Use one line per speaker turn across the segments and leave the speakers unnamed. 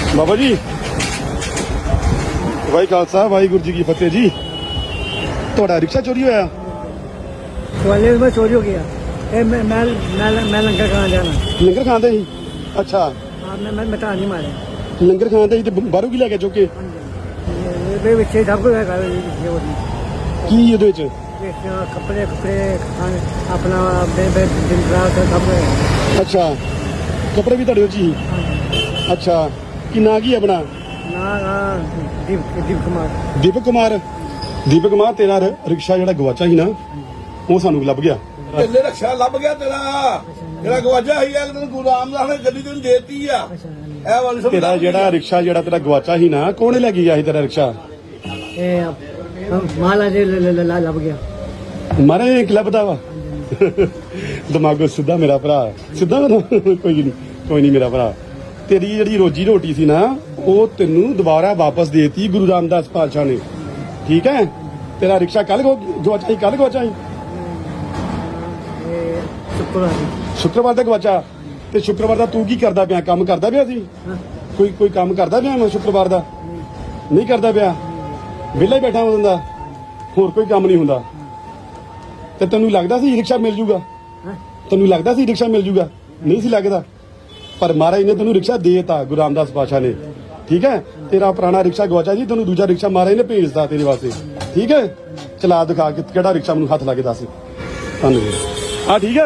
ਬਾਬਾ ਜੀ ਵਾਹਿ ਖਾਲਸਾ ਵਾਹਿਗੁਰੂ ਜੀ ਕੀ ਫਤਿਹ ਜੀ। ਤੁਹਾਡਾ ਰਿਕਸ਼ਾ ਚੋਰੀ ਹੋਇਆ?
ग्वालियर में चोरी हो गया। मैं लंगर खाना जाना।
ਲੰਗਰ ਖਾਂਦੇ ਸੀ? ਅੱਛਾ,
मैं मिटा नहीं मारे।
ਲੰਗਰ ਖਾਂਦੇ ਸੀ ਤੇ ਬਾਹਰੋਂ ਕੀ ਲੈ ਕੇ ਚੁੱਕ ਕੇ?
बच्चे सब कुछ है।
ਕੀ ਉਹਦੇ ਵਿੱਚ?
कपड़े खाने अपना दिन रात सब कुछ।
ਅੱਛਾ, ਕੱਪੜੇ ਵੀ ਤੁਹਾਡੇ ਵਿੱਚ ਹੀ? ਅੱਛਾ, ਕੀ ਨਾਂ ਕੀ ਆਪਣਾ?
ना दीप कुमार।
ਦੀਪਕ ਕੁਮਾਰ। ਦੀਪਕ ਕੁਮਾਰ, ਤੇਰਾ ਰਿਕਸ਼ਾ ਜਿਹੜਾ ਗਵਾਚਾ ਸੀ ਨਾ ਉਹ ਸਾਨੂੰ ਲੱਭ ਗਿਆ।
ਤੇਰੇ ਰਕਸ਼ਾ ਲੱਭ ਗਿਆ ਤੇਰਾ ਜਿਹੜਾ ਗਵਾਚਾ ਸੀ ਯਾਰ ਤੈਨੂੰ ਗੁਰੂ ਰਾਮਦਾਸ ਨੇ ਗੱਡੀ ਤੈਨੂੰ ਦੇਤੀ ਆ। ਇਹ ਵਾਲੀ ਸਮਝ
ਤੇਰਾ ਜਿਹੜਾ ਰਿਕਸ਼ਾ ਜਿਹੜਾ ਤੇਰਾ ਗਵਾਚਾ ਸੀ ਨਾ ਕੌਣ ਲੈ ਕੇ ਗਿਆ ਸੀ ਤੇਰਾ ਰਿਕਸ਼ਾ?
माला लब गया।
ਮਾਰੇ ਕਲੱਬ ਦਾ ਵਾ ਦਿਮਾਗੋ ਸਿੱਧਾ ਮੇਰਾ ਭਰਾ ਸਿੱਧਾ ਕੋਈ ਨਹੀਂ ਮੇਰਾ ਭਰਾ। ਤੇਰੀ ਜਿਹੜੀ ਰੋਜੀ ਰੋਟੀ ਸੀ ਨਾ ਉਹ ਤੈਨੂੰ ਦੁਬਾਰਾ ਵਾਪਸ ਦੇਤੀ ਗੁਰੂ ਰਾਮਦਾਸ ਪਾਤਸ਼ਾਹ ਨੇ। ਠੀਕ ਹੈ, ਤੇਰਾ ਰਿਕਸ਼ਾ ਕੱਲ ਗਵਾਚਾ ਸੀ? ਕੱਲ ਗਵਾਚਾ ਸੀ? ਸ਼ੁੱਕਰਵਾਰ ਦਾ ਗਵਾਚਾ। ਤੇ ਸ਼ੁੱਕਰਵਾਰ ਦਾ ਤੂੰ ਕੀ ਕਰਦਾ ਪਿਆ? ਕੰਮ ਕਰਦਾ ਪਿਆ ਸੀ? ਕੋਈ ਕੰਮ ਕਰਦਾ ਪਿਆ? ਮੈਂ ਸ਼ੁੱਕਰਵਾਰ ਦਾ ਨਹੀਂ ਕਰਦਾ ਪਿਆ, ਵਿਹਲਾ ਹੀ ਬੈਠਾ ਹੁੰਦਾ, ਹੋਰ ਕੋਈ ਕੰਮ ਨਹੀਂ ਹੁੰਦਾ। ਤੇ ਤੈਨੂੰ ਲੱਗਦਾ ਸੀ ਰਿਕਸ਼ਾ ਮਿਲ ਜੂਗਾ? ਤੈਨੂੰ ਲੱਗਦਾ ਸੀ ਰਿਕਸ਼ਾ ਮਿਲ ਜੂਗਾ? ਨਹੀਂ ਸੀ ਲੱਗਦਾ, ਪਰ ਮਹਾਰਾਜ ਨੇ ਤੈਨੂੰ ਰਿਕਸ਼ਾ ਦੇਤਾ ਗੁਰੂ ਰਾਮਦਾਸ ਪਾਤਸ਼ਾਹ ਨੇ। ਠੀਕ ਹੈ, ਤੇਰਾ ਪੁਰਾਣਾ ਰਿਕਸ਼ਾ ਗਵਾਚਾ ਜੀ, ਤੈਨੂੰ ਦੂਜਾ ਰਿਕਸ਼ਾ ਮਹਾਰਾਜ ਨੇ ਭੇਜਦਾ ਤੇਰੇ ਵਾਸਤੇ। ਠੀਕ ਹੈ, ਚਲਾ ਦਿਖਾ ਕੇ ਕਿਹੜਾ ਰਿਕਸ਼ਾ ਮੈਨੂੰ ਹੱਥ ਲਾ ਕੇ ਦੱਸ। ਧੰਨਵਾਦ। ਹਾਂ ਠੀਕ ਹੈ,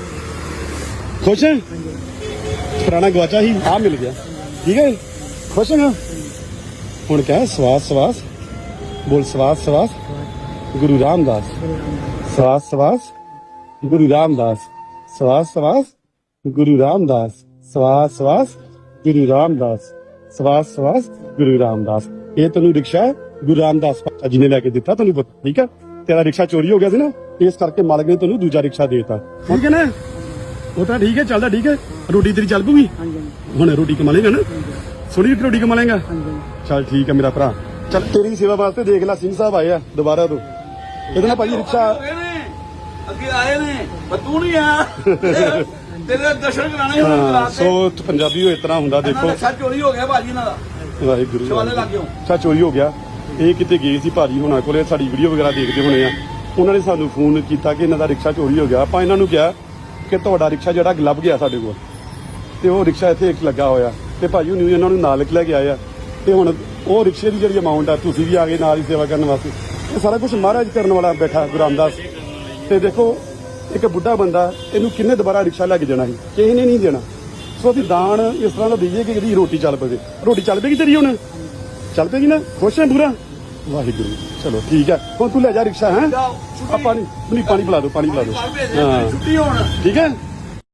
ਖੁਸ਼ ਹੈ? ਪੁਰਾਣਾ ਗਵਾਚਾ ਸੀ, ਆ ਮਿਲ ਗਿਆ। ਠੀਕ ਹੈ, ਖੁਸ਼ ਹੈ? ਹੁਣ ਕਹਿ ਸਵਾਸ ਸਵਾਸ ਬੋਲ, ਸਵਾਸ ਸਵਾਸ ਗੁਰੂ ਰਾਮਦਾਸ, ਸਵਾਸ ਸਵਾਸ ਗੁਰੂ ਰਾਮਦਾਸ, ਸਵਾਸ ਸਵਾਸ ਗੁਰੂ ਰਾਮਦਾਸ, ਸਵਾਸ ਸਵਾਸ ਗੁਰੂ ਰਾਮਦਾਸ, ਸਵਾਸ ਸਵਾਸ ਗੁਰੂ ਰਾਮਦਾਸ। ਇਹ ਤੈਨੂੰ ਰਿਕਸ਼ਾ ਗੁਰੂ ਰਾਮਦਾਸ ਪਾਤਸ਼ਾਹ ਜੀ ਨੇ ਲੈ ਕੇ ਦਿੱਤਾ, ਤੈਨੂੰ ਪਤਾ। ਠੀਕ ਹੈ, ਤੇਰਾ ਰਿਕਸ਼ਾ ਚੋਰੀ ਹੋ ਗਿਆ ਸੀ ਨਾ, ਇਸ ਕਰਕੇ ਮਾਲਕ ਨੇ ਤੈਨੂੰ ਦੂਜਾ ਰਿਕਸ਼ਾ ਦੇਤਾ। ਠੀਕ ਹੈ ਨਾ, ਉਹ ਤਾਂ ਠੀਕ ਹੈ, ਚੱਲਦਾ ਠੀਕ ਹੈ। ਰੋਟੀ ਤੇਰੀ ਚੱਲ ਪੂਗੀ ਹੁਣ? ਰੋਟੀ ਕਮਾ ਲੇਗਾ ਨਾ? ਸੋਹਣੀ ਰੋਟੀ ਕਮਾ ਲੇਗਾ? ਚੱਲ ਠੀਕ ਹੈ ਮੇਰਾ ਭਰਾ। ਚੱਲ ਤੇਰੀ ਸੇਵਾ ਵਾਸਤੇ ਦੇਖ ਲੈ ਸਿੰਘ ਸਾਹਿਬ ਆਏ ਆ ਦੁਬਾਰਾ ਤੋਂ। ਇਹਦੇ ਨਾਲ ਭਾਈ ਰਿਕਸ਼ਾ
ਅੱਗੇ ਆਏ ਨੇ ਪਰ ਤੂੰ ਨਹੀਂ ਆ ਤੇਰੇ ਦਰਸ਼ਨ ਕਰਾਣੇ ਹੁਣ।
ਸੋ ਪੰਜਾਬੀ ਉਹ ਇਸ ਤਰ੍ਹਾਂ ਹੁੰਦਾ। ਦੇਖੋ
ਰਕਸ਼ਾ ਚੋਰੀ ਹੋ ਗਿਆ ਭਾਜੀ ਇਹਨਾਂ ਦਾ,
ਵਾਹਿਗੁਰੂ
ਸ਼ਿਵਾਲੇ ਲੱਗ ਗਿਓ।
ਅੱਛਾ, ਚੋਰੀ ਹੋ ਗਿਆ। ਇਹ ਕਿਤੇ ਗਏ ਸੀ ਭਾਜੀ ਹੁਣਾਂ ਕੋਲੇ, ਸਾਡੀ ਵੀਡੀਓ ਵਗੈਰਾ ਦੇਖਦੇ ਹੋਣੇ ਆ। ਉਹਨਾਂ ਨੇ ਸਾਨੂੰ ਫੋਨ ਕੀਤਾ ਕਿ ਇਹਨਾਂ ਦਾ ਰਿਕਸ਼ਾ ਚੋਰੀ ਹੋ ਗਿਆ। ਆਪਾਂ ਇਹਨਾਂ ਨੂੰ ਕਿਹਾ ਕਿ ਤੁਹਾਡਾ ਰਿਕਸ਼ਾ ਜਿਹੜਾ ਲੱਭ ਗਿਆ ਸਾਡੇ ਕੋਲ, ਤੇ ਉਹ ਰਿਕਸ਼ਾ ਇੱਥੇ ਇੱਕ ਲੱਗਾ ਹੋਇਆ, ਤੇ ਭਾਜੀ ਹੁਣੀ ਇਹਨਾਂ ਨੂੰ ਨਾਲ ਲੈ ਕੇ ਆਏ ਆ। ਤੇ ਹੁਣ ਉਹ ਰਿਕਸ਼ੇ ਦੀ ਜਿਹੜੀ ਅਮਾਊਂਟ ਆ, ਤੁਸੀਂ ਵੀ ਆ ਗਏ ਨਾਲ ਹੀ ਸੇਵਾ ਕਰਨ ਵਾਸਤੇ। ਇਹ ਸਾਰਾ ਕੁਝ ਮਹਾਰਾਜ ਕਰਨ ਵਾਲਾ ਬੈਠਾ ਗੁਰੂ ਰਾਮਦਾਸ। ਤੇ ਦੇਖੋ ਇੱਕ ਬੁੱਢਾ ਬੰਦਾ, ਇਹਨੂੰ ਕਿੰਨੇ ਦੁਬਾਰਾ ਰਿਕਸ਼ਾ ਲੈ ਕੇ ਜਾਣਾ ਸੀ? ਕਿਸੇ ਨੇ ਨਹੀਂ ਦੇਣਾ। ਸੋ ਅਸੀਂ ਦਾਨ ਇਸ ਤਰ੍ਹਾਂ ਦਾ ਦਈਏ ਕਿ ਇਹਦੀ ਰੋਟੀ ਚੱਲ ਪਵੇ। ਰੋਟੀ ਚੱਲ ਪਏਗੀ ਤੇਰੀ ਹੁਣ? ਚੱਲ ਪਏਗੀ ਨਾ? ਖੁਸ਼ ਹੈ ਪੂਰਾ? ਵਾਹਿਗੁਰੂ। ਚਲੋ ਠੀਕ ਹੈ, ਹੁਣ ਤੂੰ ਲੈ ਜਾ ਰਿਕਸ਼ਾ। ਹੈ ਪਾਣੀ ਪਿਲਾ ਦੋ, ਪਾਣੀ ਪਿਲਾ ਦੋ। ਹਾਂ
ਛੁੱਟੀ ਹੋਣ
ਠੀਕ ਹੈ।